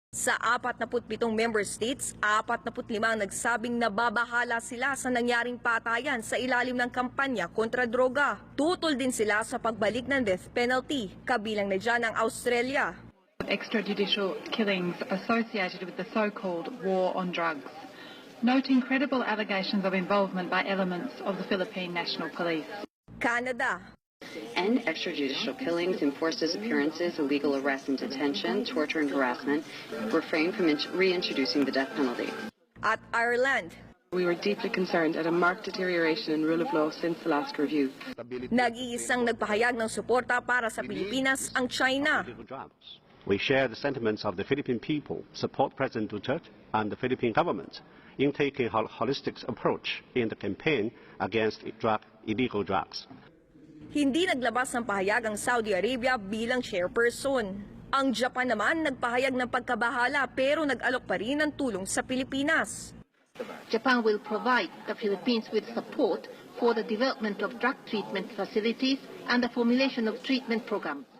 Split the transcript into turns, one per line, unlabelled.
Sa 47 member states, 45 ang nagsabing nababahala sila sa nangyaring patayan sa ilalim ng kampanya kontra droga. Tutol din sila sa pagbalik ng death penalty, kabilang na dyan ang Australia.
Extrajudicial killings associated with the so-called war on drugs, noting credible allegations of involvement by elements of the Philippine National Police.
Canada.
End extrajudicial killings, enforce disappearances, illegal arrest and detention, torture and harassment, refrain from reintroducing the death penalty.
At Ireland.
We were deeply concerned at a marked deterioration in rule of law since the last review.
Nag-iisang nagpahayag ng suporta para sa Pilipinas ang China.
We share the sentiments of the Philippine people, support President Duterte and the Philippine government in taking a holistic approach in the campaign against illegal drugs.
Hindi naglabas ng pahayag ang Saudi Arabia bilang chairperson. Ang Japan naman nagpahayag ng pagkabahala pero nag-alok pa rin ng tulong sa Pilipinas.
Japan will provide the Philippines with support for the development of drug treatment facilities and the formulation of treatment programs.